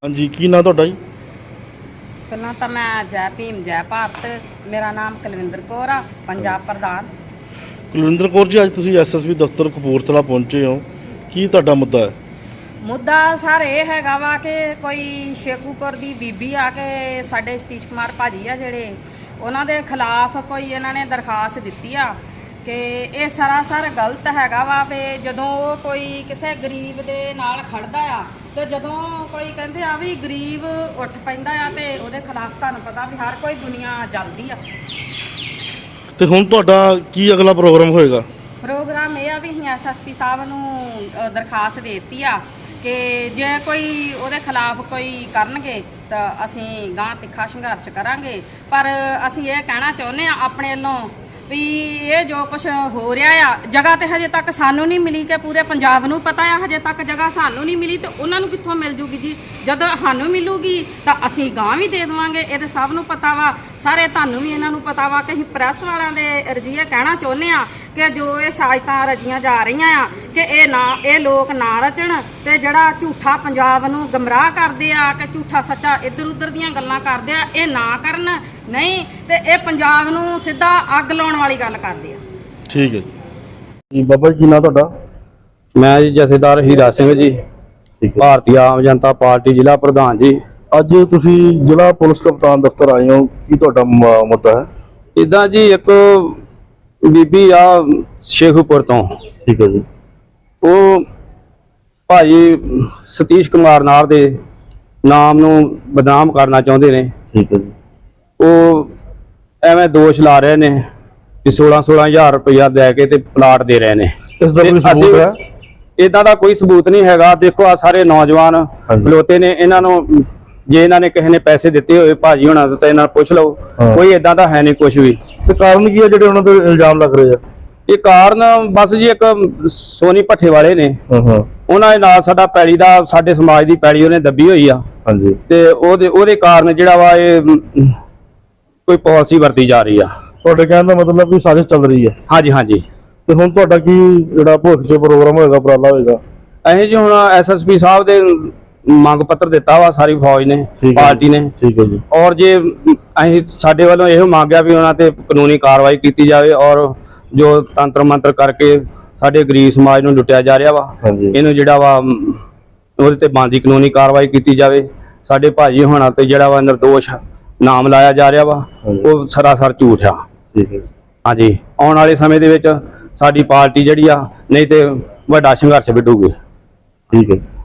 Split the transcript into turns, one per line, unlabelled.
हाँ जी की ना ਤੁਹਾਡਾ ਜੀ?
ਪਹਿਲਾਂ ਤਾਂ ਮੈਂ ਜੈ ਭੀਮ ਜੈ ਭਾਰਤ, ਮੇਰਾ ਨਾਮ ਕੁਲਵਿੰਦਰ ਕੌਰ ਆ, ਪੰਜਾਬ ਪ੍ਰਧਾਨ।
ਕੁਲਵਿੰਦਰ ਕੌਰ ਜੀ, ਅੱਜ ਤੁਸੀਂ ਐਸਐਸਪੀ ਦਫ਼ਤਰ ਕਪੂਰਥਲਾ ਪਹੁੰਚੇ ਹੋ, ਕੀ ਤੁਹਾਡਾ ਮੁੱਦਾ ਹੈ?
ਮੁੱਦਾ ਸਰ ਇਹ ਹੈਗਾ ਵਾ ਕਿ ਕੋਈ ਸ਼ੇਖੂਪੁਰ ਦੀ ਬੀਬੀ ਆ ਕੇ ਸਾਡੇ ਸਤੀਸ਼ ਕੁਮਾਰ ਭਾਜੀ ਆ ਜਿਹੜੇ, ਉਹਨਾਂ ਦੇ ਖਿਲਾਫ ਕੋਈ ਇਹਨਾਂ ਨੇ ਦਰਖਾਸਤ ਦਿੱਤੀ ਆ ਕਿ ਇਹ ਸਰਾਸਰ ਗਲਤ ਹੈਗਾ ਵਾ ਵੀ ਜਦੋਂ ਕੋਈ ਕਿਸੇ ਗਰੀਬ ਦੇ ਨਾਲ ਖੜਦਾ ਆ ਤੇ ਜਦੋਂ ਕੋਈ ਕਹਿੰਦੇ ਆ ਵੀ ਗਰੀਬ ਉੱਠ ਪੈਂਦਾ ਆ ਤੇ ਉਹਦੇ ਖਿਲਾਫ ਤੁਹਾਨੂੰ ਪਤਾ ਵੀ ਹਰ ਕੋਈ ਦੁਨੀਆ ਜਲਦੀ ਆ।
ਤੇ ਹੁਣ ਤੁਹਾਡਾ ਕੀ ਅਗਲਾ ਪ੍ਰੋਗਰਾਮ ਹੋਏਗਾ?
ਪ੍ਰੋਗਰਾਮ ਇਹ ਆ ਵੀ ਅਸੀਂ ਐਸਐਸਪੀ ਸਾਹਿਬ ਨੂੰ ਦਰਖਾਸਤ ਦੇ ਦਿੱਤੀ ਆ ਕਿ ਜੇ ਕੋਈ ਉਹਦੇ ਖਿਲਾਫ ਕੋਈ ਕਰਨਗੇ ਤਾਂ ਅਸੀਂ ਗਾਂ ਤਿੱਖਾ ਸੰਘਰਸ਼ ਕਰਾਂਗੇ। ਪਰ ਅਸੀਂ ਇਹ ਕਹਿਣਾ ਚਾਹੁੰਦੇ ਆ ਆਪਣੇ ਵੱਲੋਂ ਵੀ ਇਹ ਜੋ ਕੁਝ ਹੋ ਰਿਹਾ ਆ, ਜਗ੍ਹਾ ਤੇ ਹਜੇ ਤੱਕ ਸਾਨੂੰ ਨਹੀਂ ਮਿਲੀ ਕਿ ਪੂਰੇ ਪੰਜਾਬ ਨੂੰ ਪਤਾ ਆ, ਹਜੇ ਤੱਕ ਜਗ੍ਹਾ ਸਾਨੂੰ ਨਹੀਂ ਮਿਲੀ ਤੇ ਉਹਨਾਂ ਨੂੰ ਕਿੱਥੋਂ ਮਿਲ ਜੂਗੀ ਜੀ? ਜਦੋਂ ਸਾਨੂੰ ਮਿਲੂਗੀ ਤਾਂ ਅਸੀਂ ਗਾਂ ਵੀ ਦੇ ਦੇਵਾਂਗੇ। ਇਹ ਤਾਂ ਸਭ ਨੂੰ ਪਤਾ ਵਾ, ਸਾਰੇ ਤੁਹਾਨੂੰ ਵੀ ਇਹਨਾਂ ਨੂੰ ਪਤਾ ਵਾ ਕਿ ਅਸੀਂ ਪ੍ਰੈਸ ਵਾਲਿਆਂ ਦੇ ਰਜੀਏ ਕਹਿਣਾ ਚਾਹੁੰਦੇ ਆ ਕਿ ਜੋ ਇਹ ਸਾਜ਼ਤਾਂ ਰਚੀਆਂ ਜਾ ਰਹੀਆਂ ਆ ਕਿ ਇਹ ਲੋਕ ਨਾ ਰਚਣ ਤੇ ਜਿਹੜਾ ਝੂਠਾ ਪੰਜਾਬ ਨੂੰ ਗਮਰਾਹ ਕਰਦੇ ਆ ਕਿ ਝੂਠਾ ਸੱਚਾ ਇੱਧਰ ਉੱਧਰ ਦੀਆਂ ਗੱਲਾਂ ਕਰਦੇ ਆ, ਇਹ ਨਾ ਕਰਨ। ਨਹੀਂ ਤੇ ਇਹ ਪੰਜਾਬ ਨੂੰ ਸਿੱਧਾ ਅੱਗ ਲਾਉਣ ਵਾਲੀ ਗੱਲ ਕਰਦੇ ਆ।
ਠੀਕ ਹੈ ਜੀ। ਬਾਬਾ ਜੀ ਕੀ ਨਾਂ ਤੁਹਾਡਾ?
ਮੈਂ ਜੀ ਜਥੇਦਾਰ ਹੀਰਾ ਸਿੰਘ ਜੀ, ਭਾਰਤੀ ਆਮ ਜਨਤਾ ਪਾਰਟੀ ਜ਼ਿਲ੍ਹਾ ਪ੍ਰਧਾਨ ਜੀ।
ਅੱਜ ਤੁਸੀਂ ਜ਼ਿਲ੍ਹਾ ਪੁਲਿਸ ਕਪਤਾਨ ਦਫ਼ਤਰ ਆਏ ਹੋ, ਕੀ ਤੁਹਾਡਾ ਮੁੱਦਾ ਹੈ?
ਇਦਾਂ ਜੀ ਇੱਕ ਬੀਬੀ ਆ ਸ਼ੇਖੂਪੁਰ ਤੋਂ,
ਠੀਕ ਹੈ ਜੀ,
ਉਹ ਭਾਈ ਸਤੀਸ਼ ਕੁਮਾਰ ਨਾਰ ਦੇ ਨਾਮ ਨੂੰ ਬਦਨਾਮ ਕਰਨਾ ਚਾਹੁੰਦੇ ਨੇ।
ਠੀਕ ਹੈ ਜੀ।
ਉਹ ਐਵੇਂ ਦੋਸ਼ ਲਾ ਰਹੇ ਨੇ ਕਿ 16,000 ਰੁਪਇਆ ਲੈ ਕੇ ਤੇ ਪਲਾਟ ਦੇ ਰਹੇ ਨੇ।
ਇਸ ਦਾ ਕੋਈ ਸਬੂਤ ਹੈ?
ਇਦਾਂ ਦਾ ਕੋਈ ਸਬੂਤ ਨਹੀਂ ਹੈਗਾ। ਦੇਖੋ ਆ ਸਾਰੇ ਨੌਜਵਾਨ ਖਲੋਤੇ ਨੇ, ਇਹਨਾਂ ਨੂੰ ਜੇ ਇਹਨਾਂ ਨੇ ਕਿਸੇ ਨੇ ਪੈਸੇ ਦਿੱਤੇ ਹੋਏ ਭਾਜੀ ਹੋਣਾ ਤਾਂ ਇਹਨਾਂ ਨੂੰ ਪੁੱਛ ਲਓ, ਕੋਈ ਇਦਾਂ ਦਾ ਹੈ ਨਹੀਂ ਕੁਝ ਵੀ।
ਤੇ ਕਾਰਨ ਕੀ ਹੈ ਜਿਹੜੇ ਉਹਨਾਂ ਤੇ ਇਲਜ਼ਾਮ ਲੱਗ ਰਹੇ ਆ?
ਇਹ ਕਾਰਨ ਬਸ ਜੀ ਇੱਕ ਸੋਨੀ ਭੱਠੇ ਵਾਲੇ ਨੇ, ਉਹਨਾਂ ਦੇ ਨਾਲ ਸਾਡਾ ਪੈੜੀ ਦਾ, ਸਾਡੇ ਸਮਾਜ ਦੀ ਪੈੜੀ ਉਹਨੇ ਦੱਬੀ ਹੋਈ ਆ। ਹਾਂਜੀ। ਤੇ ਉਹਦੇ ਕਾਰਨ ਜਿਹੜਾ ਵਾ ਇਹ ਕੋਈ ਪਾਲਿਸੀ ਵਰਤੀ ਜਾ ਰਹੀ ਆ।
ਤੁਹਾਡੇ ਕਹਿਣ ਦਾ ਮਤਲਬ ਵੀ ਸਾਜ਼ਿਸ਼ ਚੱਲ ਰਹੀ ਹੈ?
ਹਾਂਜੀ ਹਾਂਜੀ।
ਤੇ ਹੁਣ ਤੁਹਾਡਾ ਕੀ ਜਿਹੜਾ ਭਵਿੱਖ 'ਚ ਪ੍ਰੋਗਰਾਮ ਹੋਏਗਾ, ਉਪਰਾਲਾ ਹੋਏਗਾ?
ਅਸੀਂ ਜੀ ਹੁਣ ਐਸਐਸਪੀ ਸਾਹਿਬ ਦੇ ਮੰਗ ਪੱਤਰ ਦਿੱਤਾ ਵਾ ਸਾਰੀ ਫੌਜ ਨੇ, ਪਾਰਟੀ ਨੇ।
ਠੀਕ ਹੈ ਜੀ। ਔਰ
ਜੇ ਅਸੀਂ ਸਾਡੇ ਵੱਲੋਂ ਇਹੋ ਮੰਗਿਆ ਵੀ ਉਹਨਾਂ ਤੇ ਕਾਨੂੰਨੀ ਕਾਰਵਾਈ ਕੀਤੀ ਜਾਵੇ ਔਰ ਜੋ ਤੰਤਰ ਮੰਤਰ ਕਰਕੇ ਸਾਡੇ ਗਰੀਬ ਸਮਾਜ ਨੂੰ ਲੁੱਟਿਆ ਜਾ ਰਿਹਾ ਵਾ, ਇਹਨੂੰ ਜਿਹੜਾ ਵਾ ਉਹਦੇ ਤੇ ਬਣਦੀ ਕਾਨੂੰਨੀ ਕਾਰਵਾਈ ਕੀਤੀ ਜਾਵੇ। ਸਾਡੇ ਭਾਜੀ ਹੋਣਾ ਤੇ ਜਿਹੜਾ ਵਾ ਨਿਰਦੋਸ਼ ਨਾਮ ਲਾਇਆ ਜਾ ਰਿਹਾ ਵਾ, ਉਹ ਸਰਾਸਰ ਝੂਠ ਆ।
ਠੀਕ ਹੈ।
ਹਾਂਜੀ, ਆਉਣ ਵਾਲੇ ਸਮੇਂ ਦੇ ਵਿੱਚ ਸਾਡੀ ਪਾਰਟੀ ਜਿਹੜੀ ਆ, ਨਹੀਂ ਤੇ ਵੱਡਾ ਸੰਘਰਸ਼ ਵਿੱਢੂਗੀ।
ਠੀਕ ਹੈ।